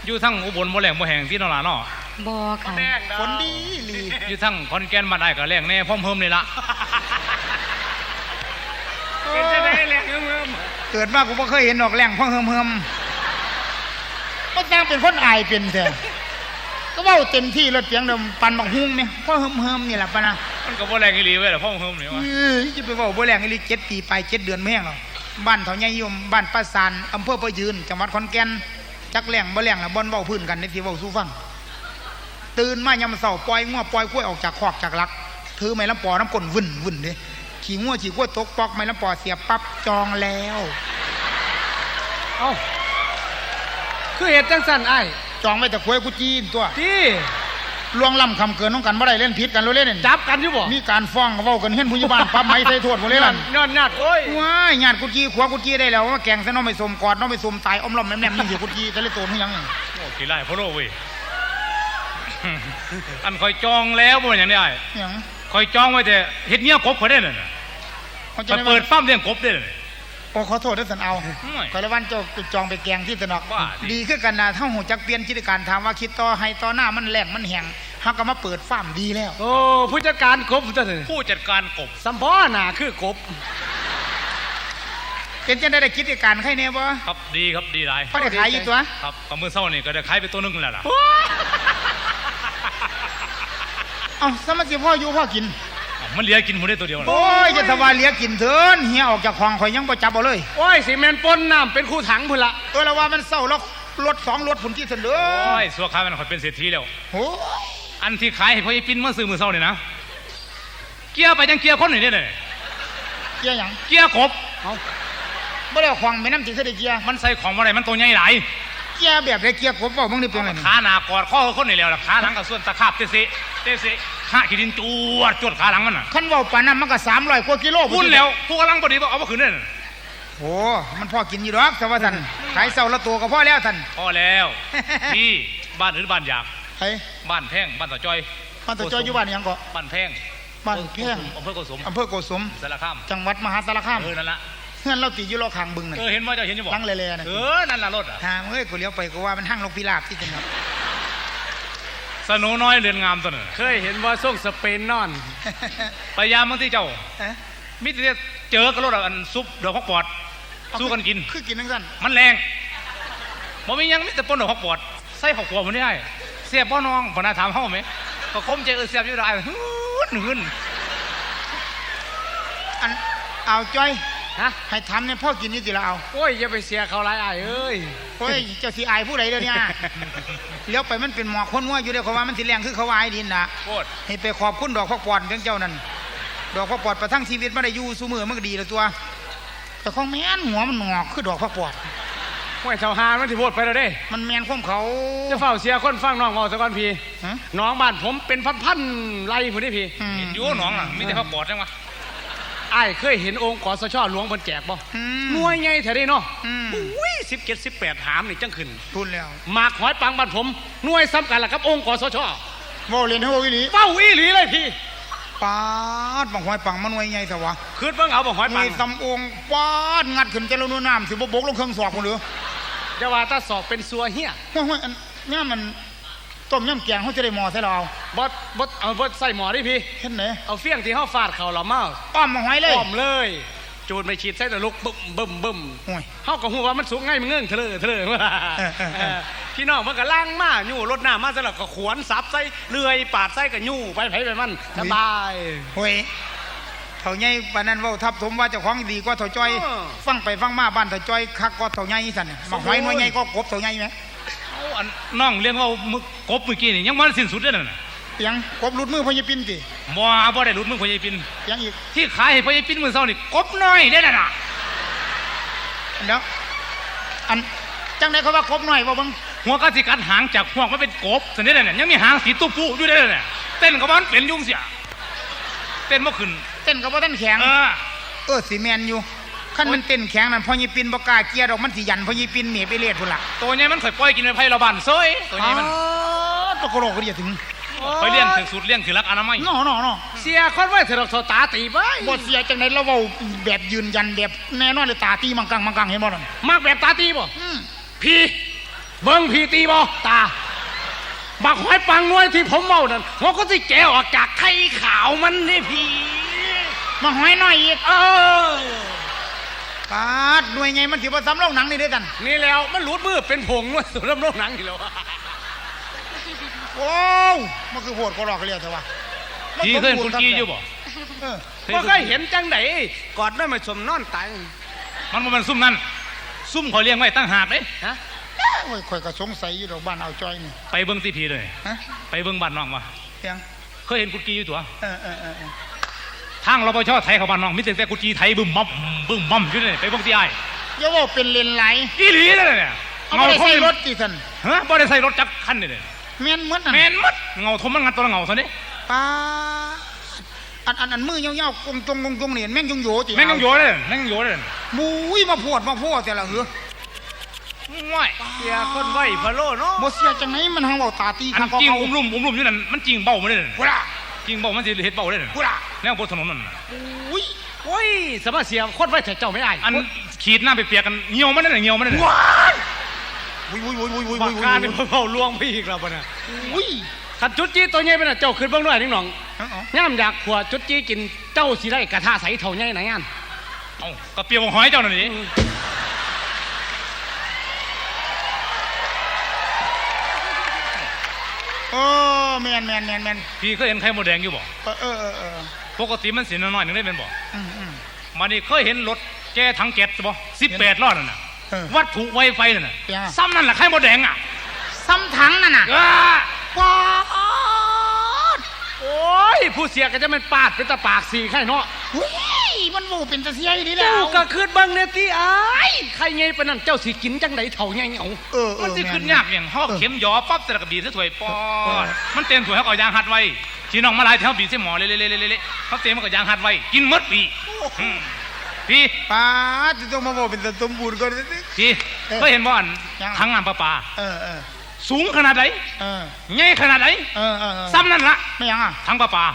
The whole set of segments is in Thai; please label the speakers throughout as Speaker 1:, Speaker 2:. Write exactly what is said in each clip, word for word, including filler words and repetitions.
Speaker 1: อยู่ทั้งอุบลบ่แรงบ่แห้งที่นราเนาะ
Speaker 2: บ่ค่ะ
Speaker 3: ฝนดีลี
Speaker 1: อยู่ทั้งขอนแก่นมาได้ก็แรงแน่พร้อมเพิ่มเลยละ
Speaker 3: เป็นจะได้แรงเฮิมเกิดมากูไม่เคยเห็นดอกแรงพ่อเฮิมเฮิมก็จ้างเป็นคนอายเป็นเถอะก็ว่าเต็มที่รถเสียงเดิมปันบักฮุ้งเนี่ยพ่อเฮิมเฮิมนี่แหละปะนะ
Speaker 1: มันก็บ่แรงอีหลีเว้ยแต่พ่อเฮิมเนี่ยวะ
Speaker 3: จะไปว่าบ่แรงอีหลีเจ็ดปีไปเจ็ดเดือนไม่แห้งหรอกบ้านเถาใหญ่ยมบ้านป้าซานอำเภอประยืนจังหวัดขอนแก่นจักแรงบ่แรงละบ่นเว้าพื้นกันในที่เว้าสู้ฟังตื่นมายามเช้าปล่อยงัวปล่อยกล้วยออกจากคอกจากลักถือไม้ลำปอน้ำก้นวุ่นวุ่นเด้ขี่งัวขี่กล้วยตกปอกไม้ลำปอเสียบปั๊บจองแล้ว
Speaker 4: เอ้าคือเหตุจังสันไอ้
Speaker 3: จองไว้แต่ควยกุจีนตัว
Speaker 4: ที่
Speaker 3: ลวงล้ำคำเกินน้องกันบ่ได้เล่นผิดกันเราเล่น
Speaker 4: จับกันอยู่บ่
Speaker 3: มีการฟ้องเว้ากันเห็นผู้ใหญ่บ้านปั๊บไม้ใส่โทษบ่เลยล่ะ
Speaker 4: ย้อนญาติโอ้ย
Speaker 3: ว้ายญาติกุจีขวากุจีได้แล้วว่าแกงซะน้องไม่สมกอดน้องไม่สมตายอ้อมล้อมแม่มๆนี่สิกุจีแต่ละโตนคือหยัง
Speaker 1: โอ้ขี้ไล่พ่อโลเว้ยอันคอยจองแล้วบ่อย่างนี้ไอ้
Speaker 3: หยัง
Speaker 1: คอยจองไว้แต่เฮ็ดเงี้ยกบเขาได้น่ะมันเปิดฟาร์มเลี้ยงกบได้น่ะ
Speaker 3: โอ้ขอโทษด้วยสันเอาคอยละวันเจ้าจองไปแกงที่ตะนอกดีขึ้นกันนะถ้าหูจักเปลี่ยนกิจการถามว่าคิดต่อให้ต่อหน้ามันแหลงมันแห้งฮักก็มาเปิดฟาร์มดีแล้ว
Speaker 4: โอ้ผู้จัดการกบจ้ะ
Speaker 1: ผู้จัดการกบ
Speaker 4: สัมพ่อหน่าคือกบ
Speaker 3: เป็นจะได้กิจการใครเนี่ยบ่
Speaker 1: ครับดีครับดีหลาย
Speaker 3: เขาได้ขายอยู่ตัว
Speaker 1: ครับกับมือเศร้านี่ก็ได้ขายไปตัวนึงแล้วล่ะ
Speaker 3: เอ้าสมัครพ่ออยู่พ่อกิน
Speaker 1: มันเลี้ยกินหมดได้ตัวเดียว
Speaker 3: โอ้ยจะสบายเลี้ยกินเถินเฮียออกจากคลองข่อยยังบ่จับเอาเลย
Speaker 4: โอ้ยสีเมนปนน้ำเป็นคู่ถังพุ่นละ
Speaker 3: ตัวละว่ามันเศร้าแล้วรถสองรถผุนที่เสนอ
Speaker 1: โอ้ยสัวขายมันข่อยเป็นเศรษฐีแล้ว
Speaker 3: โอ้
Speaker 1: อันที่ขายให้พ่อไอ้ปิ้นเมื่อซื้อมือเศร้าเนี่ยนะเกียร์ไปยังเกียร์คนหนึ่งได้เลย
Speaker 3: เกียร์ยัง
Speaker 1: เกียร์กบ
Speaker 3: เอาไม่ได้คลองไม่น้ำจีเสด็จเกียร์
Speaker 1: มันใส่ของอะไรมันตัวใหญ่หลาย
Speaker 3: เกียร์แบบไรเกียร์กบบอกมึงนี่เป็นไง
Speaker 1: ขาหนากอดข้อคนนี่แล้วล่ะขาหลังกับส่วนตะขาบเตสิเตสิขาขีดินจวดจวดขาหลังมันน่ะ
Speaker 3: ขั้นว่าปานั้นมันก็สามร้อยกว่ากิโล
Speaker 1: พุ่นแล้วผู้กำลังพอดีบอกเอามาคืนนั่น
Speaker 3: โอ้มันพอกินอยู่หรอกสวัสดิ์ขายเสาละตัวก็พอแล้วท่าน
Speaker 1: พอแล้วที่บ้านหรือบ้านอยาก
Speaker 3: เฮ้
Speaker 1: บ้านแพงบ้านต่อจอย
Speaker 3: บ้านต่อจอยอยู่บ้านยังก็
Speaker 1: บ้านแพง
Speaker 3: บ้านแพง
Speaker 1: อำเภอโกสม
Speaker 3: อำเภอโกสม
Speaker 1: สารคาม
Speaker 3: จังหวัดมหาสารคาม
Speaker 1: เออนั่นละ
Speaker 3: เพื่อนเราตีอยู่รอคางบึงนั่น
Speaker 1: เออเห็นว่าจะเห็นจะบอก
Speaker 3: ลังเล่ๆนะ
Speaker 1: เออนั่นละรถอ่ะ
Speaker 3: ฮะเฮ้ยกูเลี้ยวไปกูว่ามันห้างลงพิราบที่จังหวัด
Speaker 1: สนุน้อยเรือนงามตัวนึง
Speaker 4: เคยเห็นว่าส่งสเปนนอน
Speaker 1: พยายามบางที่เจ้ามิตรเจอกระโดดอันซุปดอกฮอกปอดสู้กันกิน
Speaker 3: คือกินทั้งสั้น
Speaker 1: มันแรงบ่มียังมิตรปนดอกฮอกปอดใส่ผักกัวมันได้เสียบป้อน้องพนาถามเฮ้าไหมก็คมใจเออเสียบอยู่ได้ฮึ่นฮึ่น
Speaker 3: อันเอาจ้อย
Speaker 4: ฮะ
Speaker 3: ให้ทำเนี่ยพ่อกินนี่สิละเอา
Speaker 4: โอ้ยอย่าไปเสียเขาไรไอ้เอ้ย
Speaker 3: โอ้ยเจ้าสีไอผู้ใดเดี๋ยวนี้เลี้ยวไปมันเป็นหมอกคนว่าอยู่เดี๋ยวเขาว่ามันสิแรงคือเขาว่าไอ้ดินนะให้ไปขอบคุณดอกพักปอดของเจ้านั่นดอกพักปอดประทังชีวิตไม่ได้อยู่สู้มือมันก็ดีแล้วตัวแต่ของแม่นหัวมันหงอกคือดอกพักปอด
Speaker 4: ห้วยเสาหามันที่โพดไปแล้วเด้
Speaker 3: มันแมนข้อมเขา
Speaker 4: จะเฝ้าเสียคนฟังน้องเอาสักวันพี่น้องบ้านผมเป็นพันๆไร่ผู้นี้พี่
Speaker 1: เห็นอยู่น้องน่ะมีแต่พักปอดใช่ไหม
Speaker 4: ไอ้เคยเห็นองค์กอสชหลวงบนแจกบ่หน่วยไงแถวนี้เนาะอุ้ยสิบเจ็ดสิบแปดหามนี่จังขึ้น
Speaker 3: ทุนแล้ว
Speaker 4: หมากหอยปังบ้านผมหน่วยซ้ำกันล่ะครับองค์กอสช
Speaker 3: ว้าเรียนเท่าอีหลี
Speaker 4: ว้าอีหลีเลยพี่
Speaker 3: ปาดบังหอยปังมันหน่วยไงแต่ว่า
Speaker 4: คืนเบิ่งเอาบังหอยปัง
Speaker 3: ซ้ำองค์ปาดงัดขึ้นเจริญนุ่นน้ำสิบบกลงเครื่องสอบคนเหลือ
Speaker 4: จะว่าถ้าสอบเป็นซัวเฮีย
Speaker 3: ห้วยอันนี้มันต้มยำแกงเขาจะได้หมอใส่เรา
Speaker 4: บดบดเอาบดใส่หมอดิพี่
Speaker 3: เห็นไหม
Speaker 4: เอาเฟี้ยงที่เขาฟาดเข่าเราเมา
Speaker 3: ป้อมมาหอยเลย
Speaker 4: ป้อมเลยจูดไม่ฉีดใส่แต่ลูกบึ้มบึ้มบึ้มเขาก็หัวว่ามันสูงง่ายมันเงื่อนเถลอเถลอพี่น้องมันก็ล่างมายู่รถหน้ามาสลับก็ขวนซับใส่เลื่อยปาดใส่กับยู่ไปไผ่ไปมันสบาย
Speaker 3: เฮ้ยเถ่าใหญ่ปานนั้นว่าทับถมว่าเจ้าของดีกว่าเถ่าจ้อยฟังไปฟังมาบ้านเถ่าจ้อยคักก็เถ่าใหญ่สั่นมาหอยหน่วยใหญ่ก็กบเถ่าใหญ่ไหม
Speaker 1: น้องเลี้ยงว่ามึกกบเมื่อกี้นี่ยังมันสิ้นสุดเลยน่ะ
Speaker 3: ยังกบหลุดมือพญปินติ
Speaker 1: บ่บ่ได้หลุดมือพญปิน
Speaker 3: ยังอีก
Speaker 1: ที่ขายให้พญปินมือเศร้านี่กบน้อยได้น่ะ
Speaker 3: เดี๋ยวอันจังได๋เขาว่ากบน้อยบ่เบิ่ง
Speaker 1: หัวกะสิกัดหางจากพวกมันเป็นกบซั่นได้น่ะยังมีหางสีตุ๊ปูอยู่ได้น่ะเต้นก็บ่เป็นยุ่งเสียเต้นบ่ขึ้น
Speaker 3: เต้นก็บ่ทันแข็งเออเออสิแม่นอยู่ขั้นมันเต้นแข็งนั่นพอยีปินบกาเกียร์ดอกมันสิยันพอยีปินเหนียไปเลียดพุ่นละ
Speaker 1: ตัวนี้มันเคยปล่อยกินไปไผ่ระบานเซ้ยตัวนี้มัน
Speaker 3: ตัวกระโหลกก็เดียถึง
Speaker 1: ไปเลี้ยงถึงสุดเลี้ยงถึงรักอนามัย
Speaker 3: น้อน้อน้อ
Speaker 4: เสียคนไว้เถอะเราตาตีไป
Speaker 3: บทเสียจังไหนเราเบาแบบยืนยันแบบแน่นอนเลยตาตีมังกังมังกังเห็นบ่ล่ะ
Speaker 4: มากแบบตาตีบ่พี่เบิ่งพี่ตีบ่ตาบักหอยปังน้อยที่ผมเมานั่นหัวก็สิแกะออกจากไข่ขาวมันนี่พี่
Speaker 3: มาหอยน้อยอีก
Speaker 4: เออ
Speaker 3: ปาดหน่วยไงมันสิบ่ซ้ำโรงหนังนี่เด้อกัน
Speaker 4: นี่แล้วมันหลุดมือเป็นผงด้วยสุดลำโลกหนังอีกแล้ว
Speaker 3: โอ้วมันคือโหดก็หลอกเรียกแต่ว่า
Speaker 1: พี่เคยเห็นคุณกี้อยู่บ่
Speaker 3: เออ
Speaker 4: บ่เคยเห็นจังไดกอดด้วยมาสมนอนตาย
Speaker 1: มันบ่แมันซุ่มนั่นซุ่มเขาเลี้ยงไว้ตั้งหากเด้
Speaker 4: ฮะ
Speaker 3: โอ้ยข่อยก็สงสัยอยู่ดอกบ้านเอาจอยนี่
Speaker 1: ไปเบิ่งที่พีเลย
Speaker 3: ฮะ
Speaker 1: ไปเบิ่งบ้านน้องว่ะ
Speaker 3: เพียง
Speaker 1: เคยเห็นกุดกี้อยู่ตัว
Speaker 3: เออเออเออเออ
Speaker 1: ทางรปภไทยเขาบ้านน้องมีแต่แต่กุดกี้ไทยบึ้มบั่มบึ้มบั่มอยู่นี่ไปเบิ่งที่อ้าย
Speaker 3: อย่าว่าเป็นเลนไหล
Speaker 1: อีหลีนั่นน่ะ
Speaker 3: เอาไม่ได้ใส่รถติสัน
Speaker 1: ฮะบ่ได้ใส่รถจักรคันนี่เด้
Speaker 3: แม่นเหมือนนั่น
Speaker 1: แม่นหมดเงาทมมันงัดตัวละเงาซะนี่
Speaker 3: ป้าอันอันอันมือยาวๆกงจงกงจงเนี่ยแม่งยงโยจิ
Speaker 1: แม่งยังโยเลยแม่งยังโยเลย
Speaker 3: มุ้ยมาพวดมาพวดแต่ละเหรอ
Speaker 1: ง่อย
Speaker 4: เสียคนไหวพะโลเนาะ
Speaker 3: บ่เสียจังไหนมันหังเบาตาตี
Speaker 1: อัน
Speaker 3: ข้าง
Speaker 1: จริง
Speaker 3: เขา
Speaker 1: อุ้มลุ่มอุ้มลุ่มอยู่นั่นมันจริงเบ้ามาเลย
Speaker 3: กูละ
Speaker 1: จริงเบ้ามันสิเฮ็ดเบ้าเลย
Speaker 3: กูละ
Speaker 1: แนวบนถนนนั่น
Speaker 3: อุ้ย
Speaker 4: โอ้ยสมาเสียคนไหวแต่เจ้าไม่อาย
Speaker 1: อันขีดหน้าไปเปียกกันเหี่ยวมันนั่นเหี่ยวมันนั่น
Speaker 3: ว้ายอุ้ยอุ้ยอุ้ยอุ้ยอุ้ย
Speaker 4: บั
Speaker 3: อุ้
Speaker 4: ก
Speaker 3: ย
Speaker 4: การนี่เผาลวงไปอีกแล้วบ่น่ะ
Speaker 3: อุ้ย
Speaker 4: ขัดจุดจี้ตัวใหญ่ไปน่ะเจ้าขึ้นเบิ่งด้วยนิ่งหนอง
Speaker 3: เอาเอา
Speaker 4: ย่ำอยากขวดจุดจี้กินเจ้าสิได้กระทะใสเท่าใหญ่ไหนอัน
Speaker 1: เอ้าก็เปียกของหอยเจ้านั่นนี่
Speaker 3: โอ้แมนแมนแมนแมน
Speaker 1: พี่เคยเห็นไข่มดแดงอยู่บ่
Speaker 3: เออเออเออเออ
Speaker 1: ปกติมันสิน้อยๆนึงได้เป็นบ่
Speaker 3: อืมอืม
Speaker 1: มานี่เคยเห็นรถแก้ถังแก๊สบ่สิบแปดล้อนั่นน่ะ
Speaker 3: เออ
Speaker 1: วัตถุไวไฟนั่นน่ะ
Speaker 3: เป็นไง
Speaker 1: ซ้ำนั่นแหละไข่มดแดงอ่ะ
Speaker 3: ซ้ำถังนั่นน่ะ
Speaker 1: อ้า
Speaker 3: ว้าด
Speaker 4: โอ้ยผู้เสียก็จะมันปาดเป็นตะปากสีไข่เนาะ
Speaker 3: อุ้ยมันบูเป็นตะเสียดีแล้
Speaker 4: เจ้าว ก็คืดเบิ่งเนี่ยที่อ้ายไข่ใหญ่ปานนั้นเจ้าสิกินจังไดเท่าใหญ่เอา
Speaker 3: เออเอ
Speaker 1: มัน
Speaker 3: อ
Speaker 1: สิ
Speaker 3: แม่
Speaker 1: ขึ้นยากอย่างห่อเข็มหยอปั๊บแต่ละกระบีซะถ้วยปอดมันเต็มถ้วยเขาก็ยางหัดไว้ที่น้องมาหลายแถวบีใส่หมอเละๆๆๆเขาเต็มมันก็ยางหัดไว้กินหมดปีอืมพี่
Speaker 3: ป้าดจะต้องมาบอกเป็นตะสมบูรณ์ก่อนสิ
Speaker 1: พี่เคยเห็นบ่อัน
Speaker 3: ยัง
Speaker 1: ทั้งน้ำประปา
Speaker 3: เออเออ
Speaker 1: สูงขนาดไหน
Speaker 3: เออ
Speaker 1: ใหญ่ขนาดไหน
Speaker 3: เออเออเออ
Speaker 1: ซ้ำนั่นละ
Speaker 3: ไม่ยังอ่ะ
Speaker 1: ทั้งประปา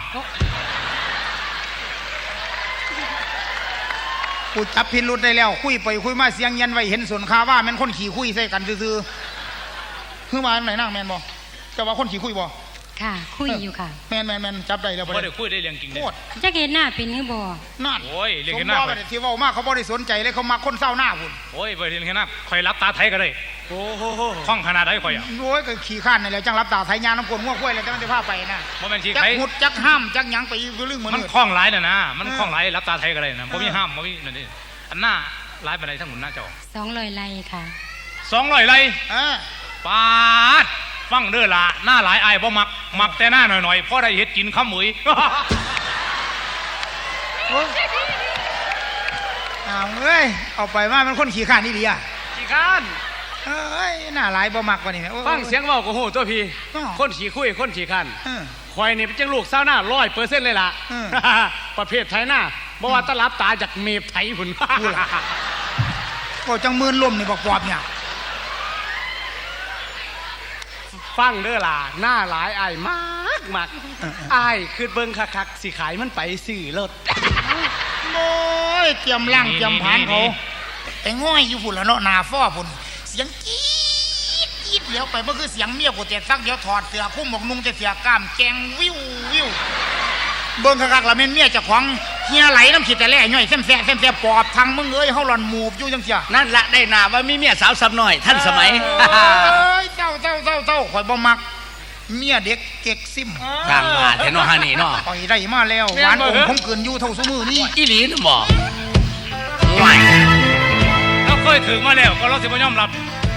Speaker 3: กูจับพิรุษได้แล้ว คุยไปคุยมาเสียงเย็นไว้เห็นส่วนคาว่าแม่นคนขี่คุยใส่กันซื่อๆคือมาไหนนั่งแมนบ่จะว่าคนขี่คุยบ่
Speaker 2: ค่ะ คุยอยู่ค่ะ
Speaker 3: แมนแมนแมนจับได้แล้วบ่
Speaker 1: บ่ได้
Speaker 3: ได้
Speaker 1: คุยได้เรื่องจริง
Speaker 3: โค
Speaker 1: เด้
Speaker 3: ตร
Speaker 2: จะเห็นหน้าเป็นหรือบ่
Speaker 3: นั่น
Speaker 1: โอ้ยเรียก
Speaker 3: ส
Speaker 1: เห็น
Speaker 3: ม
Speaker 1: หน้า
Speaker 3: บ่
Speaker 1: ข่
Speaker 3: ไป
Speaker 1: อย
Speaker 3: ที่เว้ามากเขาบ่ได้สนใจเลยเขามาคนเศร้าหน้าพุ่น
Speaker 1: โอ้ยบ่ได้เห็นหน้าข่อยรับตาไทยก็ได้
Speaker 4: โอ้โห
Speaker 1: คล่องขนาดไหนข่อยอ่ะ
Speaker 3: โอ้ยก็ขี่ข้านนี่แหละจังรับตาไทยยาน้ำกลง่วงกล้วยเลยแต่มันได้พาไปนะ
Speaker 1: บ่แม่นที่
Speaker 3: จัก
Speaker 1: ไผ
Speaker 3: หุดจักห้ามจักหยังไปอยู่เรื่องเหมือน
Speaker 1: มัน
Speaker 3: เดิม
Speaker 1: คล่องหลายน่ะนะมัน
Speaker 3: เออ
Speaker 1: คล่องหลายรับตาไทยก็ได้นะบ่มี
Speaker 3: เออ
Speaker 1: ห้ามบ่มีนั่นนี่อันหน้าหลายปานใดทั้งหมดหน้าเจ้า
Speaker 2: สองลอยไล่ค่ะ
Speaker 1: สองร้อยไร่
Speaker 3: เออ
Speaker 1: ปาดฟังเด้อล่ะหน้าหลายอายบ่มักมักแต่หน้าหน่อยๆพอได้เฮ็ดกินข้าวหมุย
Speaker 3: โอ้ยเอาเอ้ยเอาไปว่ามันคนขี่ข้านนี่ดีอ่ะ
Speaker 4: ขี้ข้าน
Speaker 3: เอ้ยหน้าหลายบ่มักกว่านี่แหมโอ้
Speaker 4: ฟังเสียงเว้าก็โหตัวพี่
Speaker 3: อ้อ
Speaker 4: คนขี้คุยคนขี้ข้าน
Speaker 3: เออ
Speaker 4: ควายนี่เป็นจังลูกเศร้าหน้าร้อยเปอร์เซ็นต์เลยล่ะ
Speaker 3: อืม
Speaker 4: ประเภทไทยหน้าบ่ว่าตะลับตาจากเมฟไทยหุ่น
Speaker 3: พูดล่ะ ก็จังมืนลมนี่บอกปอบเนี่ย
Speaker 4: ฟังเด้อล่ะหน้าหลายอายมากมากอายคือเบิ่งคักๆสิขายมันไปซื้อรถ
Speaker 3: โอ้ยเตรียมล่าง
Speaker 1: นี่
Speaker 3: เตรียมผานเขา
Speaker 1: นี่
Speaker 3: แต่ง่อยอยู่ฝุ่นละเนาะหนาฟ้อฝุ่นเสียงจี๊ดจี๊ดเลี้ยวไปเมื่อคือเสียงเมียกูเตะซักเดี๋ยวถอดเสื้อพุ่มหมกนุ่งจะเสียกล้ามแกงวิววิวเบิ่งคักๆละแม่นเมียเจ้าของเฮียไหลน้ำขีดแต่แล่ย่อยเส้นแสะเส้นแสะปอบทางมึงเอ้ยเฮาหลอนหมูบอยู่จังเสีย
Speaker 5: นั่นละได้นาว่ามีเมียสาวสำน้อยท่านสมัย
Speaker 3: เอ้ยเจ้าเจ้าเจ้าเจ้าข่อยบ่มักเมียเด็กเก๊กซิม
Speaker 5: สร้างมาแต่นอฮานี่เนาะ
Speaker 3: ข่อยได้มาแล้วหวานอมคมกืนอยู่เท่าซุมือนี่
Speaker 5: อีหลีนะบอกห่วย
Speaker 1: เราเคยถึงมาแล้วก็เราสิบ่ยอมรับ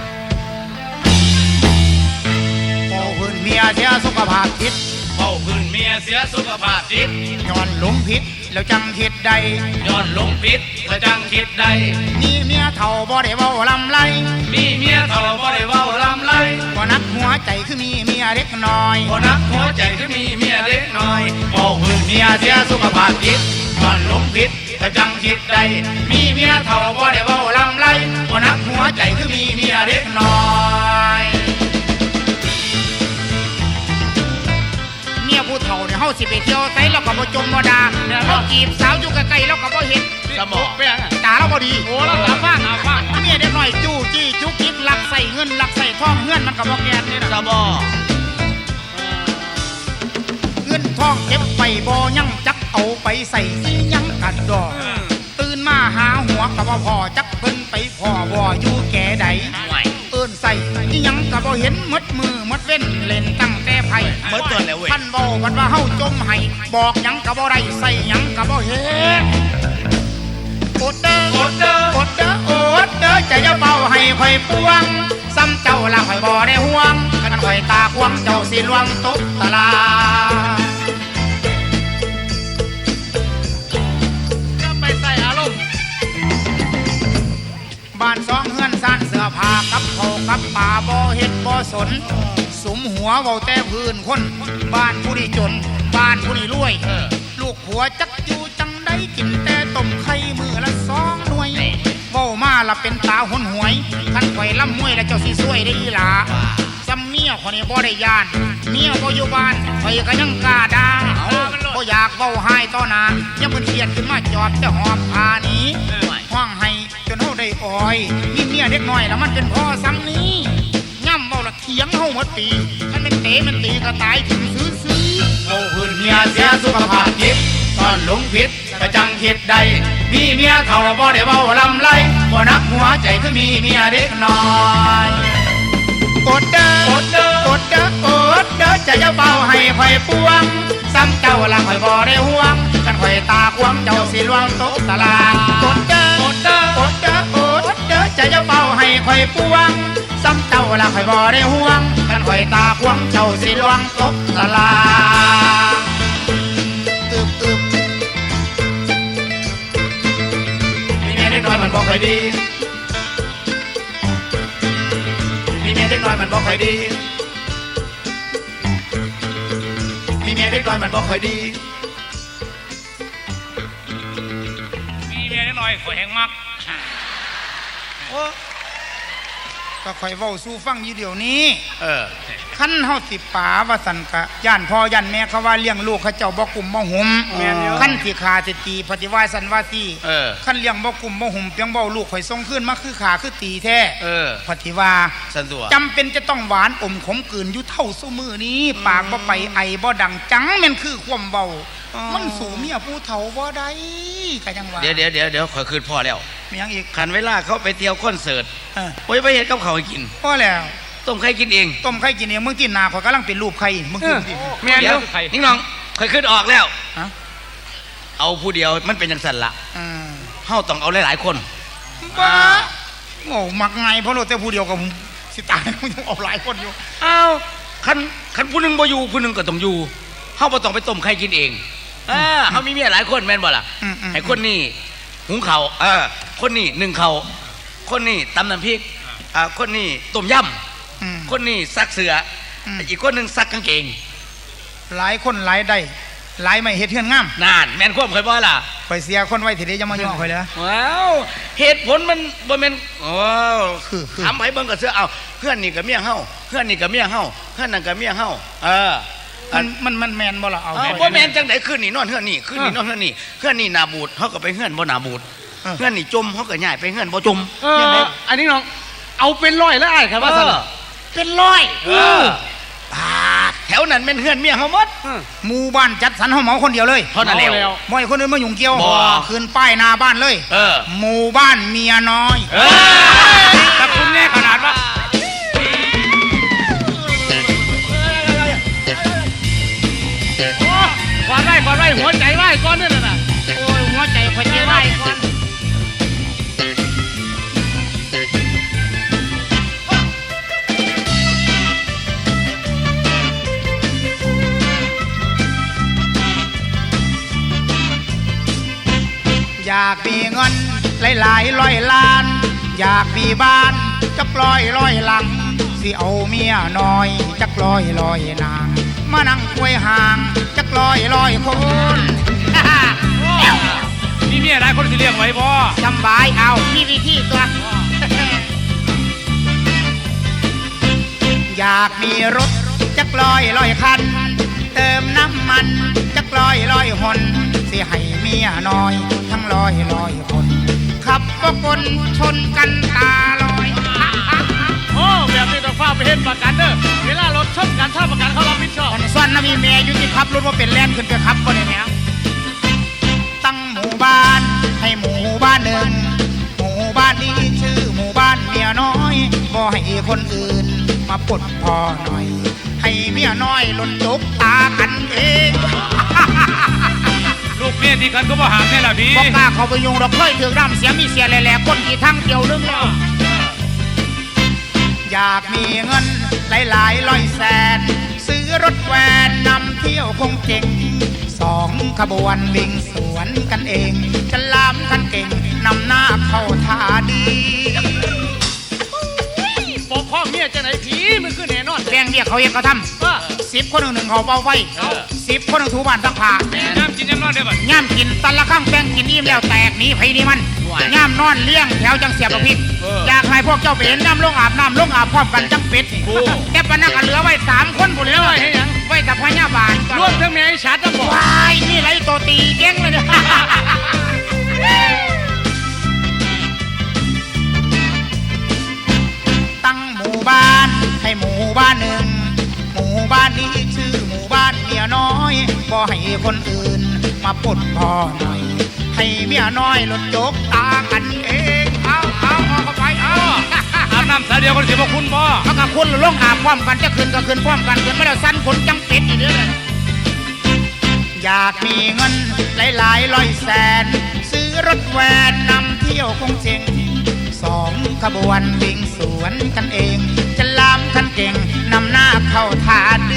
Speaker 3: พอเพิ่นเมียเสียสุขภาพจิต
Speaker 1: เฝ้าพื้นเมียเสียสุขภาพจิต
Speaker 3: ย้อนหลงผิดแล้วจังคิดใด
Speaker 1: ย้อนหลงผิดแล้วจังคิดได้
Speaker 3: มีเมียเฒ่าบ่ได้เว้าลำไร
Speaker 1: มีเมียเฒ่าบ่ได้เว้าลำไร
Speaker 3: บ่นักหัวใจคือมีเมียเล็กน้อย
Speaker 1: บ่นักหัวใจคือมีเมียเล็กน้อยเฝ้าพื้นเมียเสียสุขภาพจิตย้อนหลงผิดแล้วจังคิดได้มีเมียเฒ่าบ่ได้เว้าลำไรบ่นักหัวใจคือมีเมียเล็กน้อย
Speaker 3: เมียผู้เฒ่าเนี่ยเฮาสิไปเที่ยวไสแล้วก็บ่จมบ่ดาเราจีบสาวอยู่ใกล้ๆแล้วก็บ่เห็น
Speaker 4: นี่
Speaker 5: สมอง
Speaker 4: แป้งอะ
Speaker 3: ตาเราบ่ดี
Speaker 4: โอ้แล้วตาฟ้างตาฟ้าง
Speaker 3: เมียเด็กน้อยจู้จี้จุกจิกลักใส่เงินลักใส่ทองเงินมันก็บ่แก่นนี่นะ
Speaker 5: สมอ
Speaker 3: เงินทองเก็บไปบ่ยังจักเอาไปใส่สิยังกันดอกตื่นมาหาหัวก็บ่พอจักเพิ่นไปพ่อบ่อยู่แก่ใด
Speaker 5: ห่วย
Speaker 3: เอิ้นใส่อีหยังก็บ่เห็นหมดมือหมดเว้นเล่นตั้งแต่ไผ
Speaker 5: เมื่อตัวแล้วเว้ย
Speaker 3: ท่านเว้าวันว่าเฮาจมให้บอกหยังก็บ่ได้ใส่หยังก็บ่เฮ็ดอดเด้ออดเด้ออดเด้ออดเด้อจะอย่าเป่าให้ข่อยปวงซ้ำเจ้าละข่อยบ่ได้ห่วงคันข่อยตาควงเจ้าสิลวงตกตลาด
Speaker 4: จะไปใส่อารมณ์
Speaker 3: บ้านสองเฮือนซ่านเสื้อผ้ากับเขาวกับป่าบ่เฮ็ดบ่สนสุมหัวเว้าแต่พื้นคนบ้านผู้นี้จนบ้านผู้นี้รวย ลูกผัวจักอยู่จังได้กินแต่ต้มไข่มือละสองหน่วยเว้ามาละเป็นตาหนหวยคันข่อยล่ำมวยแล้วเจ้าสิซวยได้อีหลาซ้ำเมียคนนี้บ่ได้ยานเมียบ่อยู่บ้านข่อยก็ยังกล้าด่าบ่อยากเว้าหายต่อหน้ายังเพิ่นเครียดขึ้นมาจอดแต่หอบผ้าหนี้ห้องให้จนเฮาได้อ้อยมีเมียเด็กน้อยแล้วมันเป็นพ่อซ้ำนี้ย่ำเว้าละเถียงเฮาหมดปีคันเป็นเตะมันตีก็ตายถึงซื้อซื้อ
Speaker 1: โอ้พื้นเมียเสียสุขภาพจิตตอนหลงผิดก็จังคิดใดมีเมียเท่าบ่ได้เว้าลำไรบ่นักหัวใจคือมีเมียเด็กน้อย
Speaker 3: อดเด้ออดเด้ออดเด้ออดเด้อจะอย่าเป่าให้ข่อยปวงซ้ำเจ้าละข่อยบ่ได้ห่วงกันข่อยตาควงเจ้าสิลวงตกตลาดอดเด้ออดเด้ออดเด้ออดเด้อจะอย่าเป่าให้ข่อยปวงซ้ำเจ้าละข่อยบ่ได้ห่วงกันข่อยตาควงเจ้าสิลวงตกตลาดอึบอึบ
Speaker 1: มีเมียเด็กน้อยมันบ่ค่อยดีมีเมียเด็กน้อยมันบ่ค่อยดีมีเมียเด็กน้อยมันบ่ค่อยดี
Speaker 4: มีเมียนิดหน่อยข่อยแหงมัก
Speaker 3: โอ้ก็ข่อยเว้าสู่ฟังอยู่เดี๋ยวนี้
Speaker 5: เออ
Speaker 3: คันเฮาสิป๋าว่าสันกะย่านพ่อย่านแม่เขาว่าเลี้ยงลูกเขาเจ้าบ่กลุ่มบ่หุม
Speaker 4: แม่นอยู่
Speaker 3: คันสิขาสิตีปฏิวาสันว่าตี
Speaker 5: เออ
Speaker 3: คันเลี้ยงบ่กลุ่มบ่หุมเพียงเว้าลูกข่อยส่งคืนมาคือขาคือตีแท้
Speaker 5: เออ
Speaker 3: ปฏิว่า
Speaker 5: สันตัว
Speaker 3: จำเป็นจะต้องหวานอมขมกลืนอยู่เท่าซุมือนี้ ปากบ่ไปไอบ่ดังจังแม่นคือความเว้ามันสู่เมียผู้เฒ่าบ่ได้ก็ยังว่า
Speaker 5: เดี๋ยวเดี๋ยวเดี๋ยวเดี๋ยวขอยคืนพ่อแล้ว
Speaker 3: มีหยังอีก
Speaker 5: ขันเวลาเขาไปเที่ยวคอนเสิร์ต
Speaker 3: เออ
Speaker 5: โอ้ยไปเห็นกับเขาวให้กิน
Speaker 3: พอแล้ว
Speaker 5: ต้มไข่กินเอง
Speaker 3: ต้มไข่กินเองมึงกินหน้าข่อยกำลังเป็นรูปไข่มึงกินสิ
Speaker 4: แม่นอ
Speaker 5: เดี๋ยว
Speaker 4: ยู่ไข่
Speaker 5: นิ่งน้องขอยขึ้นออกแล้ว
Speaker 3: ฮะ
Speaker 5: เอาผู้เดียวมันเป็นจังสันละ
Speaker 3: อืม
Speaker 5: เฮาต้องเอาหลายๆคน
Speaker 3: บ้าโง่มักไงเพราะเราแต่ผู้เดียวกับผมสิตายมึงต้องเอาหลายคนอยู่
Speaker 5: เอาคันคันผู้หนึงบ่อยู่ผู้หนึงก็ต้องอยู่เฮาบ่ต้องไปต้มไข่กินเองอ่าเฮามีเมียหลายคนแม่นบ่ล่ะ
Speaker 3: อืมอืม
Speaker 5: ให้คนนี้หุงข้าวเออคนนี้นึ่งข้าวคนนี้ตำน้ำพริกอ่าคนนี้ต้มย
Speaker 3: อืม
Speaker 5: ำคนนี้ซักเสื้ออ
Speaker 3: ม
Speaker 5: อีกคนหนึงซักกางเกง
Speaker 3: หลายคนหลายได้หลายไม่เฮ็ดเฮือนงาม
Speaker 5: นานแม่นความเคยบ่ล่ะ
Speaker 3: ข่อยเสียคนไว้ทีเดียวจะมาย่อข่อยเลยนะ
Speaker 5: ว้าวเหตุผลมันบ่แม่นโอ้
Speaker 3: คือคือ
Speaker 5: ถามไผเบิ่งก็เสื้อเอาเพื่อนนี่ก็เมียเฮาเพื่อนนี่ก็เมียเฮาเพื่อนนั่นก็เมียเฮาเออ
Speaker 3: มันมันมันแมนบ่ล่ะเอา
Speaker 5: เอา
Speaker 3: ข่อย
Speaker 5: บ่แม่นจังได๋คืนนี่นอนเฮือนนี่คืนนี่นอนเฮือนนี่เฮือนนี่หน้าบูดเฮาก็ไปเฮือนบ่หน้าบูดเฮือนนี่จมเฮาก็ย้ายไปเฮือนบ่จม
Speaker 4: เอออันนี้น้องเอาเป็นร้อยแล้วไอ้ครับว่า
Speaker 5: เอ
Speaker 4: ซั่น
Speaker 5: อ
Speaker 3: เป็นร้อย
Speaker 5: เออปาดแถวนั้นแม่นเฮือนเมียเฮาหมด
Speaker 3: หมู่บ้านจัดสรรเฮาเหมาคนเดียวเลย
Speaker 5: เท่านั้นแล้ว
Speaker 3: บ่ให้คนอื่นมายุ่งเกี่ยว
Speaker 5: บ่
Speaker 3: ขึ้นป้ายหน้าบ้านเลย
Speaker 5: เออ
Speaker 3: หมู่บ้านเมียน้อย
Speaker 5: เออ
Speaker 4: แต่คุณแน่ขนาดว่าโอ้ก่อนไว้ก่อนไว้หัวใจไว้ก่อนนี่น่ะ
Speaker 3: โอ้ยหัวใจข่อยสิไว้ก่อน อยากมีเงินหลายๆร้อยล้าน อยากมีบ้านจะปล่อยร้อยหลัง สิเอาเมียน้อยจักร้อยร้อยนาง มานั่งควยห่างจักร้อยร้อยคน
Speaker 4: นี่เมียได้คนสิเลี้ยงไว้บ่
Speaker 3: สำบายเอามีวิธีตัว อยากมีรถจักร้อยร้อยคัน เติมน้ำมันจักร้อยร้อยหนสิสิให้เมียน้อย ทั้งร้อยร้อยคนขับก็คนชนกันตาลอย
Speaker 4: โอ้แบบนี้ต้องฟ้าไปเห็นประกันเด้อเวลารถชนกันถ้าประกันเขารับผิดชอบ
Speaker 3: คนส่วนนะมีแม่อยู่ที่ขับรถว่าเป็นแล่นขึ้นไปขับก็ได้แม่ตั้งหมู่บ้านให้หมู่บ้านหนึ่งหมู่บ้านนี้ชื่อหมู่บ้านเมียน้อยบ่ให้คนอื่นมาปลดพอหน่อย ให้เมียน้อยหล่นจกตากันเอง
Speaker 1: ลูกเมียที่กันก็บ่หามแน่ล่ะพี่
Speaker 3: บอกกล้าเขาไปยุงเราเคยถือร่ำเสียมีเสียแหล่ๆก้นกี่ทั้งเดียวนึงแล้วอยากมีเงินหลายๆร้อยแสนซื้อรถแวนนำเที่ยวคงเจ๋งสองขบวนวิ่งสวนกันเองจะลามกันเก่งนำหน้าเข้าท่าดี
Speaker 4: ปกพ่อเมียจะไหนผีมันคือแน่นอน
Speaker 3: แรงเรียกเขาเองเขาท
Speaker 4: ว่า
Speaker 3: ำสิบคนหนึ่งหนึ่งเขาเป่าไฟสิบคนหนึ่งถูบ้านซักผ้า
Speaker 1: น้ำกินน้ำนอนได้บ่
Speaker 3: ย่ามกินตันละข้างแป้งกินอิ่มแล้วแตกหนีไผนี่มันย่ามนอนเลี้ยงแถวจังเสียบกระพริบอยากให้พวกเจ้าไปเห็นน้ำลงอาบน้ำลงอาบพร้อมกันจังเป็ดแต่ปนักเหลือไว้สามคนบุญเลยไว้แต่พญาบาล
Speaker 4: ร่วมทั้งแม่ไอ้ชัดนะบอก
Speaker 3: วายนี่ไรตัวตีเก่งเลยเนี่ย ตั้งหมู่บ้านให้หมู่บ้านหนึ่งหมู่บ้านนี้ชื่อหมู่บ้านเมียน้อยก็ให้คนอื่นมาปลดพ่อหน่อย ให้เมียน้อยหลุดจกตากันเองเอาเอาเอาเข้าไปเอา
Speaker 1: อาบน้ำสายเดียวกันสิบ่คุณบ่
Speaker 3: เขากับคุณลงอาบพร้อมกันจะขึ้นก็ขึ้นพร้อมกันขึ้นไม่ได้สั้นคนจังเป็ดอีกเด้อเลยอยากมีเงินหลายๆร้อยแสนซื้อรถแวนนำเที่ยวคงเจ๋งสองขบวนวิ่งสวนกันเองจะลามกันเก่งนำหน้าเข้าท่าดี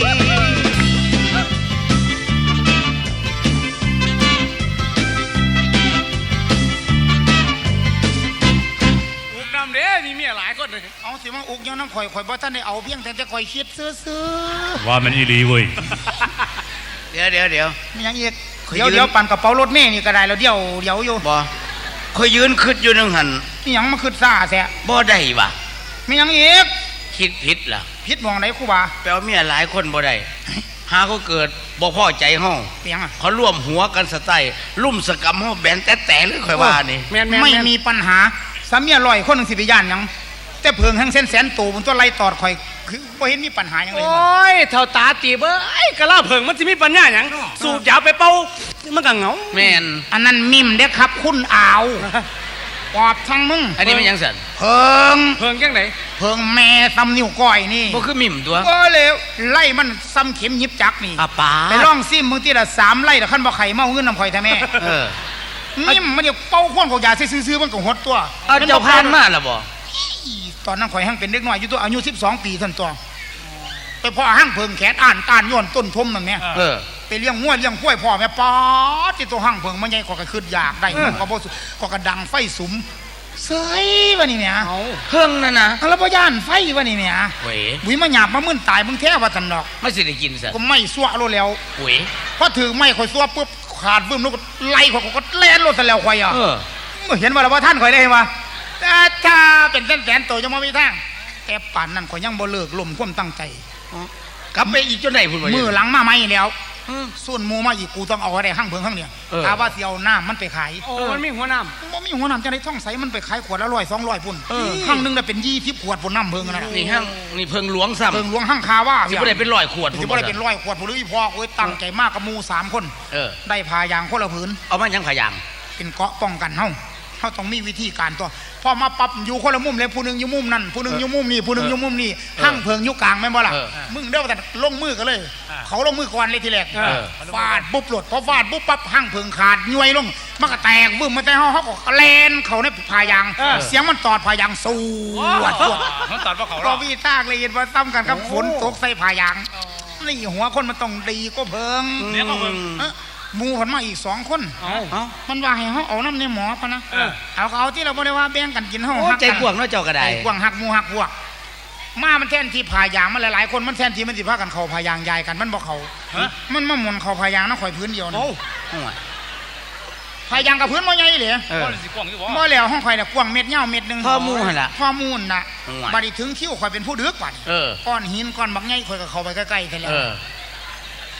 Speaker 4: อุกน้ำเด้มีเมียหลายคนเลย
Speaker 3: เอาสิมาอุกย้อนน้ำข่อยข่อยบ่ท่านได้เอาเพียงแต่จะข่อยคิดซื้อ
Speaker 1: ว่ามันอีหลีเว้ย
Speaker 5: เดี๋ยวเดี๋ยวเดี๋ยว
Speaker 3: ๆมีหยังอีก
Speaker 5: ข่อย
Speaker 3: เดี๋ยว
Speaker 5: ยืน
Speaker 3: เดี๋ยวปั่นกระเป๋ารถเมล์นี่ก็ได้แล้วเดี๋ยวเดี๋ยวอยู่
Speaker 5: บ่คอยยืนคิดอยู่นึงหัน
Speaker 3: มีหยังมาขึ้นซ่าแสะ
Speaker 5: บ่ได้ว่ะ
Speaker 3: มีหยังอีก
Speaker 5: คิดผิดล่ะ
Speaker 3: พิษมองไหนครูบา
Speaker 5: แปลว่าเมียหลายคนบ่ได้หาก็เกิดบ่พอใจห้อง
Speaker 3: เปียงอ่ะ
Speaker 5: เขาร่วมหัวกันสไตล์ลุ่มสกรรมห้องแบนแต่แต่เลยค่อยว่านี่
Speaker 4: แม่นแม่น
Speaker 3: ไม่มีปัญหาสามีอร่อยคนหนึ่งสิบย่านหยังแต่เพิงแห่งเส้นแสนตูบนตัวไล่ตอดข่อยคือบ่เห็นมีปัญหาหยังเลย
Speaker 4: โอ้ยเท่าตาตีเบ้ยกะลาเผิงมันจะมีปัญญาหยังสูบยาไปเป่ามันก็เหงา
Speaker 5: แม่น
Speaker 3: อันนั้นมิมเด้อครับคุณอาวปอบทั้งมึง
Speaker 5: อันนี้มันหยังสั่น
Speaker 3: เพิง
Speaker 4: เผิงจังไหน
Speaker 3: เพิงแม่ซ้ำนิ้วก้อยนี่
Speaker 5: บ่คือมิ่มตัว
Speaker 3: ก็เลยไล่มันซ้ำเข็มหยิบจักนี่
Speaker 5: อาปา
Speaker 3: ไปล่องซิมมึงที่ละสามไล่ละขั้นบ่ไข่เมาเงินน้ำข่อยแท้แม่
Speaker 5: เออ
Speaker 3: นิ่มมันเดี๋ยวเป้าข้วนของยาซื้อๆมันก็หดตัว
Speaker 5: เอาเจ้าพานมาล่ะบ่
Speaker 3: อีตอนนั้นข่อยหั่งเป็นเด็กน้อยอยู่ตัวอายุสิบสองปีท่านตัวไปพ่อหั่งเพิงแขนอ่านตานย้อนต้นทมนั่นแม่
Speaker 5: เออ
Speaker 3: ไปเลี้ยงงัวเลี้ยงควายพ่อแม่ป๊อดที่ตัวหั่งเพิงมันใหญ่กว่าก็ขึ้นอยากได้มันก็บ่สุก็กระดังไฟสุมเสยว่านี่แม่
Speaker 4: เอา
Speaker 5: เพิ่งนั่นนะ
Speaker 3: แล้วบ่ย่านไฟว่านี่แม่
Speaker 5: เว้ย
Speaker 3: บุยมาหยาบมามึนตายมึงแท้ว่าซั่นดอก
Speaker 5: ไม่สิได้กินสั่น
Speaker 3: ก็ไม่ซัวโลดแล้ว
Speaker 5: เว้ย
Speaker 3: พอถือไม้ข่อยซัวปุ๊บขาดบึ้มแล้วก็ไล่ข่อยก็แล่นโลดซะแล้วข่อยอ่ะ
Speaker 5: เออ
Speaker 3: เห็นว่าแล้วว่าท่านข่อยได้ว่าแต่ถ้าเป็นแสนๆโตจะบ่มีทางแต่ป่านนั้นข่อยยังบ่เลิกล้มความตั้งใจ
Speaker 5: กลับไปอีกจนไหนพุ่นบ่
Speaker 3: มือหลังมาไม่แล้ว
Speaker 5: อืม
Speaker 3: ส่วนหมูมาอีกกูต้องเอาอะไรห้างเพิงห้างเนี่ย
Speaker 5: เออ
Speaker 3: ถ้าว่าเสียวน้ำมันไปขาย
Speaker 4: โอ้มันมีหัวน้
Speaker 3: บ่มีหัวน้ำจะได้ท่องใสมันไปขายขวดละร้อยสองร้อยพุ่น
Speaker 5: เออ
Speaker 3: ห้างหนึงได้เป็นยี่สิบขวดพุ่นน้ำเพิงนะ
Speaker 5: นี่ห้างนี่เพิ่งหลวงซ้ำ
Speaker 3: เพิงหลวงห้างคาว่า
Speaker 5: สิบ่ได้เป็นร้อยขวด
Speaker 3: สิบ่ได้เป็นร้อยขวดพุ่นหรืออีพอโอ้ยตั้งใจมากกับหมูสามคน
Speaker 5: เออ
Speaker 3: ได้พายางคนละผืน
Speaker 5: เอามาหยังพะยาง
Speaker 3: เป็นเกราะป้องกันเฮาเฮาต้องมีวิธีการตัวพอมาปรับอยู่คนละมุมเลยผู้หนึงอยู่มุมนั่นผู้หนึงอยู่มุมนี่ผู้หนึงอยู่มุมนี่ห้างเพิงอยู่กลางแม่นบ่ล่ะ
Speaker 5: เออ
Speaker 3: มึงเด้อแต่ลงมือกันเลย เขาลงมือก่อนเลยทีแรก
Speaker 5: เออ
Speaker 3: ฟาดปุ๊บหลดพอฟาดปุ๊บปั๊บห้างเพิงขาดย้วยลงมันก็แตกบึ้มมาแต่เฮาเฮาก็แลนเขาในพายาง เสียงมันตอดพายางสู้วัดตัว
Speaker 1: มันตอดว่าเขาหร
Speaker 3: ก็
Speaker 1: อ
Speaker 3: วีตากเลยเห็นว่าซ้ำกันกับฝนตกใส่พายางนี่หัวคนมันต้องดีก็เพิง
Speaker 1: เดี๋ยวก็เพิ่ง
Speaker 3: เอ้อหมูผลมาอีกสองคน
Speaker 4: ำเอา
Speaker 5: เอ้า
Speaker 3: มันว่าให้เฮาเอาน้ำในหมอพะนะ
Speaker 4: เออ
Speaker 3: เอาก็เอาที่เราบ่ได้ว่าแบ่งกันกินเฮา
Speaker 5: โอ้
Speaker 3: หัก
Speaker 5: ใจ
Speaker 3: กัน
Speaker 5: กว้างเนาะเจ้าก็ได้
Speaker 3: ใจกว้างหักหมูหักพวกมามันแทนที่พายางมันหลายๆคนมันแทนที่มันสิพากันเข้าพายางยายกันมันบ่เข้ามันมาหมุนเข้าพายางนะข่อยพื้นเดียวนะ
Speaker 5: โอ้โห
Speaker 3: พายางกับพื้นบ่ใหญ่เลย
Speaker 5: เออ
Speaker 1: บ่ได้สิกว้างอยู่บ่
Speaker 3: บ่แล้วห้องข่อยน่ะกว้างเม็ดยาวเม็ดหนึง
Speaker 5: ข้อมูลหั่นล่ะ
Speaker 3: ข้อมูลน่ะ
Speaker 5: อืม
Speaker 3: บัดนี้ถึงคิวข่อยเป็นผู้ดึกกว่านี่
Speaker 5: เออ
Speaker 3: ก้อนหินก้อนบักใหญ่ข่อยก็เข้าไปใกล้ๆซะแล้ว
Speaker 5: เออ
Speaker 3: ฟาดปุ๊บหลดพอฟาดปุ๊บปั๊บห้างเพิงขาดย้วยลงมันก็แตกบึ้มมาแต่เฮาเฮาก็แลนเขาในพายาง
Speaker 5: เออ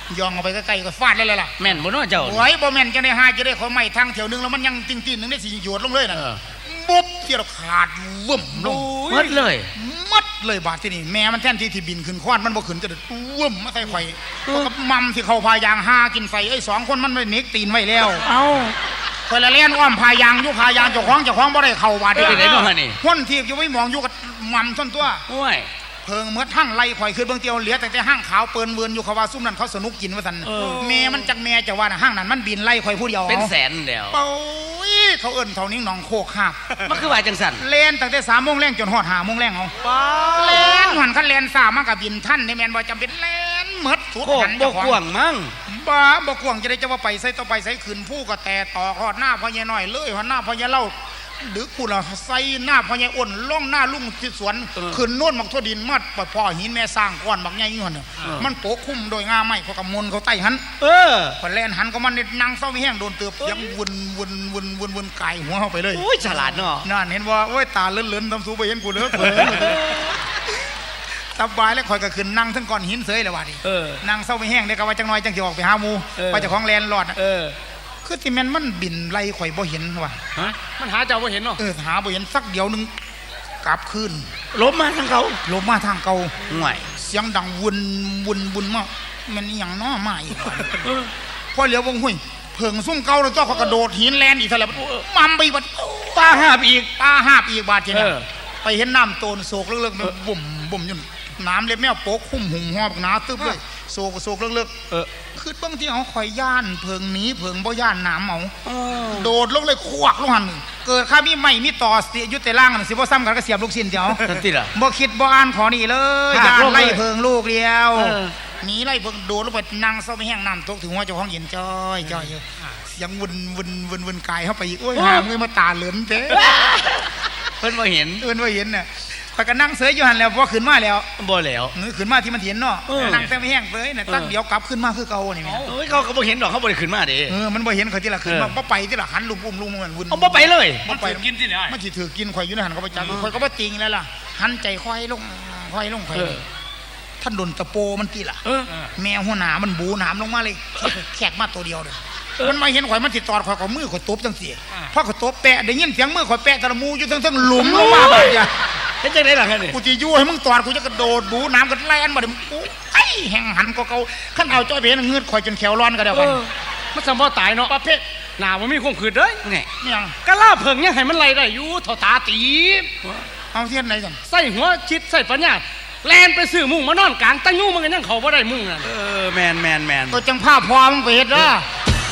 Speaker 3: ยองเอาไปใกล้ๆก็ฟาดเลยล่ะ
Speaker 5: แม่นบ่เนาะเจ้า
Speaker 3: โอ้ยบ่แม่นจังได้หาจะได้ขอไม้ทางแถวนึงแล้วมันยังติ้งๆนึงได้สิโยดลงเลยน่ะ
Speaker 5: เออ
Speaker 3: บุ๊บเที่ยวขาดวึ่มลง
Speaker 5: หมดเลย
Speaker 3: มัดเลยบาดที่นี่แม่มันแทนที่ที่บินขึ้นควานมันบ่ขึ้นจะวึ่มมาใส่ข่อยเพราะกับมัมที่เข้าพายางหากินใส่ไอ้สองคนมันไม่เน็กตีนไว้แล้ว
Speaker 5: เอ้า
Speaker 3: ข่อยละเล่นอ้อมพายางอยู่พายางเจ้าของเจ้าของบ่ได้เข้าบาด
Speaker 5: เป็นไงเนาะนี่
Speaker 3: คนที่อยู่ไว้มองอยู่กับมัมท่อนตัว
Speaker 5: โอ้ย
Speaker 3: เพิงเมื่อทั้งไล่ข่อยขึ้นเบื้องเตียวเหลือแต่แต่ห้างขาวเปิ้นเวินอยู่เขาว่าซุ่มนั้นเขาสนุกกินว่าซั่นแม่มันจักแม่จะว่าน่ะห้างนั้นมันบินไล่ข่อยผู้เดียว
Speaker 5: เป็นแสนแล้ว
Speaker 3: โอ้ยเขาเอิ้นเท่านี้หนองโคกคาบ
Speaker 5: มันคือว่าจังสั่น
Speaker 3: เล่นตั้งแต่สามโมงแรงจนฮอดห้าโมงแรงเอาเล่นหันคันเล่นสามมันก็บินท่านในแม่นบ่จำเป็นเล่นหมดสุด
Speaker 5: โคก
Speaker 3: หัน
Speaker 5: บ่
Speaker 3: เจ้าของ
Speaker 5: กว้างมั้ง
Speaker 3: บ้าบ่กวางจะได้จะว่าไปใส่ต่อไปใส่ขึ้นผู้ก็แต่ต่อฮอดหน้าพ่อใหญ่น้อยเลยฮอดหน้าพ่อใหญ่เล่าดึกกูล่ะใส่หน้าพ่อใหญ่อ้นล่องหน้าลุงที่สวนขึ้นโน่นมักทั่วดินมัดปล่อยพ่อหินแม่สร้างก้อนบักใหญ่อยู่หั่นน่ะมันโปกคุ้มโดยงาไม้เขากำมลเขาใต้หัน
Speaker 5: เออ
Speaker 3: พอแล่นหันก็มันนี่นั่งเศร้าไม่แห้งโดนเตือบยังวนวนวนวนวนไก่หัวเข้าไปเลย
Speaker 5: โอ้ยฉลาดเนาะ
Speaker 3: นั่นเห็นว่าโอ้ยตาเลื่อนๆทำสูไปเห็นกูเด้อเผลอสบายแล้วคอยก็ขึ้นนั่งทั้งก้อนหินเสยเลยว่าดิ
Speaker 5: เออ
Speaker 3: นั่งเศร้าไม่แห้งได้ก็ว่าจังน้อยจังสิออกไปหาหมู
Speaker 5: เออ
Speaker 3: ไปเจากของแลนหลอดน่ะ
Speaker 5: เออ
Speaker 3: คือที่แม่นมันบินไล่ข่อยบ่เห็นว่ะ
Speaker 5: ฮะ
Speaker 4: มันหาเจ้าบ่เห็นเนาะ
Speaker 3: เออหาบ่เห็นสักเดียวหนึงกลับคืน
Speaker 5: ลบมาทางเขา
Speaker 3: ลงมาทางเก่า
Speaker 5: ห่วย
Speaker 3: เสียงดังวนวนวนมามันอหย่างน้อมาอีกว่ะพอเหลียววงห้วยเพิงซุ่มเก่าแล้วตัวเขากระโดดหินแลนอีกเท่าไหร่มัมไปบัด
Speaker 5: ตาหาบอีก
Speaker 3: ตาหาบอีกบาดทีนี้
Speaker 5: เออ
Speaker 3: ไปเห็นน้ำโตนโศกเลิกๆมันบุ่มบุ่มอยู่น้ำเล็บแมวโป๊กคุ้มหุ่มหอบหนาตึบเลยโศกโศกเลิก
Speaker 5: เออ
Speaker 3: ๆคือเบางทีเขาคอยย่านเพิงหนีเพิงบ่ย่านน้ำเอาโดดลงเลยควักลงหันเกิดข้ามีไม่มีต่อเสียยุติล่างนั่นสิบ่ซ้ำกันก็เสียบลูกชิ้นเดียว
Speaker 5: นั่นติล่ะ
Speaker 3: บ่คิดบ่อ่านขอนี่เลย
Speaker 5: หัก
Speaker 3: ย่าน
Speaker 5: ลงเลย
Speaker 3: ไล่เพิงลูกเดียว
Speaker 5: เออ
Speaker 3: หนีไล่เพิงโดดลงไปนั่งเศร้าไปแห้งน้ำตกถึงหัวเจ้าของเย็นจ้อยจ้อยอยู่เสียงวนวนวนวนกายเข้าไปอีกโอ้ยหามือมาตาเหลือนเด้
Speaker 5: เพิ่นบ่เห็น
Speaker 3: เอิ้นว่าเห็นน่ะข่อยก็นั่งเสยอยู่หันแล้วพอขึ้นมาแล้ว
Speaker 5: บ่แล้ว
Speaker 3: นึกขึ้นมาที่มันเห็นเนาะ
Speaker 5: เออ
Speaker 3: นั่งแต่ไม่แห้งเสยน่ะตักเดียวกลับขึ้นมาคือเก่านี่แม่
Speaker 5: โอ้ยเขาก็บ่เห็นดอกเขาบ่ได้ขึ้นมาเด้
Speaker 3: เออมันบ่เห็นเขาที่ละขึ้นมา
Speaker 5: เออ
Speaker 3: บ่ไปที่ละหันลุมอุ้มลุมมันวุ่น
Speaker 5: เอาบ่ไปเลย
Speaker 3: บ่ไป
Speaker 4: กินที่ไหน
Speaker 3: มันสิถือกินข่อยอยู่ในหันเขาไปจับข่อยก็บ่จริงแล้วล่ะหันใจค่อยลงค่อยลงค่อย
Speaker 5: เออ
Speaker 3: ท่านโดนตะโปมันติล่ะ
Speaker 5: เออ
Speaker 3: แมวหัวหน้ามันบูหนามลงมาเลยแขกมาตัวเดียวเลยมันมาเห็นข่อยมันสิตอดข่อยก็มือข่อยตบจังซี่พอข่อยตบแปะได้ยินเสียงมือข่อยแปะตะละมูอยู่ทั้งๆหลุมลงมาบัดเนี่ย
Speaker 5: เฮ็ดจังได๋ล่ะคั่นนี่
Speaker 3: กูจะยู่ให้มึงตอดกูจะกระโดดบูน้ำกันแล่นมาเดี๋ยวกูไอ้แห่งหันก็เกาขั้นเอาจ้อยเพนเงือดข่อยจนแขวร้อนก็เดียว
Speaker 4: เอ
Speaker 3: กัน
Speaker 4: อมันสมบ่ตายเนาะประเภทหน้าบ่มีความขืดเด้ย
Speaker 5: นี่
Speaker 3: นี่ยัง
Speaker 4: กะลาเพิ่งยังให้มันไล่ได้อยู่เท่าตาตีบ
Speaker 3: เอาเทียนไหนกัน
Speaker 4: ใส่หัวชิดใส่ปัญญาแลนไปซื้อมุ้งมานอนกลางตั้งยู่มันก็ยังเข้าบ่ได้มุ้งนั่น
Speaker 5: เออแม่นแม่นแม่น
Speaker 3: ก็จังภาพพอมึงไปเฮ็ดเด้อ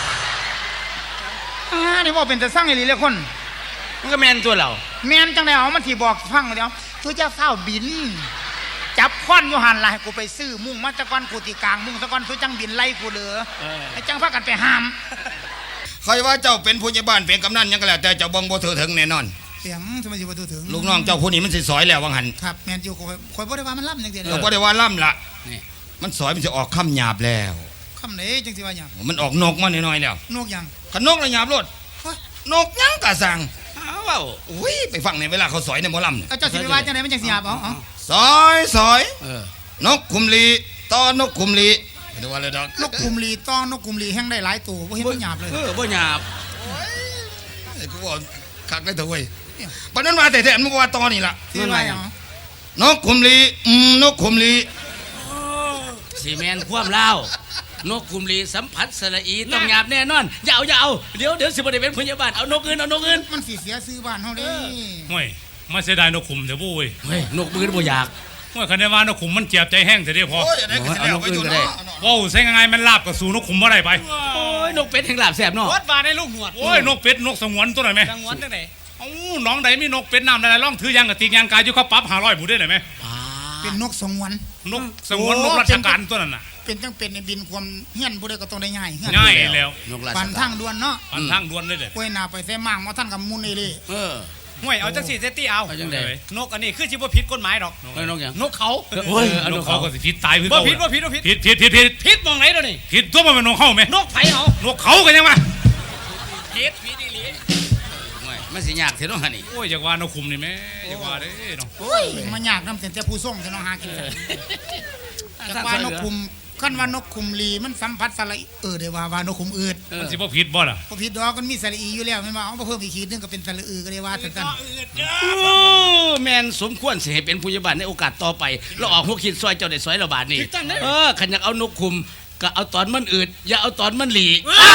Speaker 3: อ่านี่ว่าเป็นแต่สร้างไอ้ลีเลยคน
Speaker 5: มันก็แม่นตัวเรา
Speaker 3: แมนจังไดเอามันที่บอกฟังเดี๋ยวตัวเจ้าเฝ้าบิน จับค้อนอยู่หันล่ะให้กูไปซื้อมุ่งมาตะกอนกูตีกลางมุ่งตะกอนตัวจังบินไล่กูเหลือไอ้จังพากันไปห้าม
Speaker 1: ใครว่าเจ้าเป็นผู้ใหญ่บ้านเป็นกำนันยังก็แล้วแต่เจ้าบ่งบ่ถือถึงแน่นอน
Speaker 3: เสียงทำไมสิบ่ถึง
Speaker 1: ลูกน้องเจ้าผู้นี้มันสิสอยแล้ววังหัน
Speaker 3: ครับแมนอยู่ข่อยข่อยบ่ได้ว่ามันล่ำจังซี่
Speaker 1: เราก็ได้ว่าล่ำละ
Speaker 5: นี่
Speaker 1: มันสอยมันจะออกคำหยาบแล้ว
Speaker 3: คำไหนจังสิว่าหยัง
Speaker 1: มันออกนกมาหน่อยๆแล้ว
Speaker 3: นกหยัง
Speaker 1: ขนกระหยาบรถนกยังกะสั่ง
Speaker 5: อ้าวเว้า
Speaker 1: อุ้ยไปฟังในเวลาเขาสอยในหมอลำเนี่ย
Speaker 3: เอาเจ้าสิไปว่าจังไดมันจังสิหยาบเอาเอา
Speaker 1: สอยสอย
Speaker 5: เออน
Speaker 1: กคุมลีต้อนกคุมลีไม่ได้ว่าเลยดอก
Speaker 3: นกกุมลีต้อนนกกุมลีแห้งได้หลายตัวบ่เห็นมันหยาบเลย
Speaker 5: เออบ่หยาบ
Speaker 1: ไอ้กูว่าคักได้เถอะเว้ยปานนั้นว่าแต่แท้ๆมึงก็ว่าตอนี่ล่ะ
Speaker 3: สิว่าหยัง
Speaker 1: นกคุมลีอืมนกคุมลี
Speaker 5: สิแม่นความลาวนกกุมลีสัมผัสสระอีต้องหยาบแน่นอนอย่าเอาอย่าเอาเดี๋ยวเดี๋ยวสิบ่ได้เป็นพยาบาลเอานกอื่นเอานกอื่น
Speaker 3: มันสิเสียซื้อบ้านเฮาเด้
Speaker 6: ห่วยมาเสียดายนกขุมเถอะบุ้ย
Speaker 5: เฮ้ยนกอื่นบ่อยาก
Speaker 6: ห่วยคันได้ว่านกขุมมันเจ็บใจแห้งเถอะเด้พอ
Speaker 1: โอ้ยอะไรก็สิแล้วไปจุดเนาะ
Speaker 6: ว้าวใส่ยังไงมันลาบกับสู่นกขุมบ่ได้ไป
Speaker 5: โอ้ยนกเป็ดแห่งลาบแซ่บเนาะ
Speaker 4: วัดว่าในลูกหนวด
Speaker 6: โอ้ยนกเป็ดนกสงวนตัวไหนไหม
Speaker 4: จังหวัดจังได๋
Speaker 6: เอ้าน้องใดมีนกเป็ดน้ำใดล่องถือยางกับตียางกายอยู่เขาปรับห้าร้อยผู้ได้ไหนไหม
Speaker 3: เป็นนกสงวน
Speaker 6: นกสงวนนกราชการตัวนั้นน่ะ
Speaker 3: เป็นจังเป็นในบินความเฮียนผู้ใดก็ต้องได้ง่ายเฮียน
Speaker 6: ง่ายแล้ว
Speaker 5: นกราช
Speaker 3: ปัน
Speaker 5: กา
Speaker 3: ทาร งด่วนเนาะ
Speaker 6: ปันทางด่วนเลยเด้อ
Speaker 3: ป่วยหน้าไปแท้มากมาท่านกับมุนนี่เลย
Speaker 5: เออ
Speaker 4: ห่วยเอาจังสี่เซตตี้เอา
Speaker 5: เอาจังได๋
Speaker 4: นกอันนี้คือสิบ่ผิดกฎหมายดอก
Speaker 5: เฮ้ยนกหยัง
Speaker 4: นกเขา
Speaker 5: โอ้ย
Speaker 6: นกเขาก็สิผิดตายคือ
Speaker 4: บ่
Speaker 6: เก่า
Speaker 4: ผิดบ่ผิดบ่ผิด
Speaker 6: ผิดผิดผิดผิด
Speaker 4: ผิดมองไหนเดี๋ยวนี้
Speaker 6: ผิดตัวมันเป็นนกเข้าไหม
Speaker 4: นกไผเอา
Speaker 6: นกเขากันยังวะ
Speaker 4: ผิดผิดอีหลี
Speaker 5: โอ้ยมันสิยากเท่านั้นนี่
Speaker 6: โอ้ยอยากว่านกขุมนี่แม่อยากว่าเด้เนาะ
Speaker 3: โอ้ยมันยากนำแต่แต่ผู้ส่งจะน้องหากินจากว่านกคุมคันว่านกขุมลีมันสัมผัสสระอีเออได้ว่าว่านกขุมอืด
Speaker 6: มันสิบ่ผิดบ่ล่ะ
Speaker 3: บ่ผิดดอกมันมีสระอีอยู่แล้วแม่นบ่เอามาเพิ่มอีกขีดนึงก็เป็นสระอือก็ได้ว่าซั่น
Speaker 5: โอ้แมนสมควรสิให้เป็นผู้ใหญ่บ้านในโอกาสต่อไปเราออกหัวคิดซอยเจ้าได้ซอยระบาดนี่เออขันอยากเอานกคุมก็เอาตอนมันอืดอย่าเอาตอนมันหลี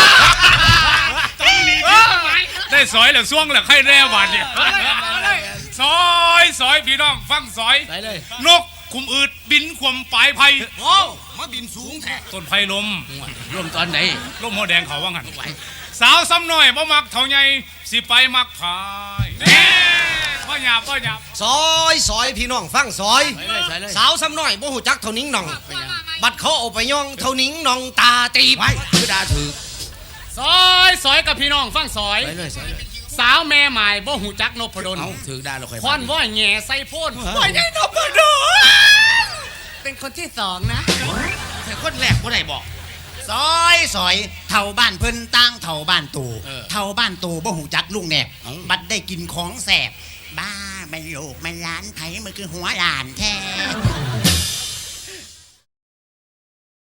Speaker 6: ได้สอยแล้วซ่วงแล้วใครแน่บาดเนี่ยซอยซอยพี่น้องฟังซอย
Speaker 5: ไปเลย
Speaker 6: นกคุมอืดบินขวมปลายไผ่
Speaker 5: โอ้มาบินสูงแท้
Speaker 6: ต้นไผ่ลม
Speaker 5: ร่วมตอนไหน
Speaker 6: ลมหัวแดงเขาว่างั้นสาวซ้ำน้อยบ่มักเท่าใหญ่สิไปมักพายแน่บ่หยาบบ่หยาบ
Speaker 7: ซอยซอยพี่น้องฟังซอย
Speaker 5: ไปเลยไปเลย
Speaker 7: สาวซ้ำน้อยบ่หูจักเท่านิ้งหน่อง บัดเขาเอาไปย่องเท่านิ้งหน่องตาตีบ
Speaker 5: ไปคือดาถือ
Speaker 4: ซอยซอยกับพี่น้องฟังซอย
Speaker 5: ไปเลยไปเลย
Speaker 4: สาวแม่หมายบ่หูจักนพดล
Speaker 5: เอาถือดาเราค่อย
Speaker 4: คอนว่อยแง่ใส่โพน
Speaker 5: ว่าไงนพดล
Speaker 4: เป็นคนที่สองนะ
Speaker 5: แต่คนแรกบ่ได้บอก
Speaker 8: ซอยซอยเท่าบ้านเพิ่นตั้งเท่าบ้านตู่
Speaker 5: เออ
Speaker 8: เท่าบ้านตู่บ่หูจักลุงแหนบ
Speaker 5: เอ้า
Speaker 8: บัดได้กินของแสบบ้าไม่โลกไม่ล้านไผมันคือหัวหลานแท้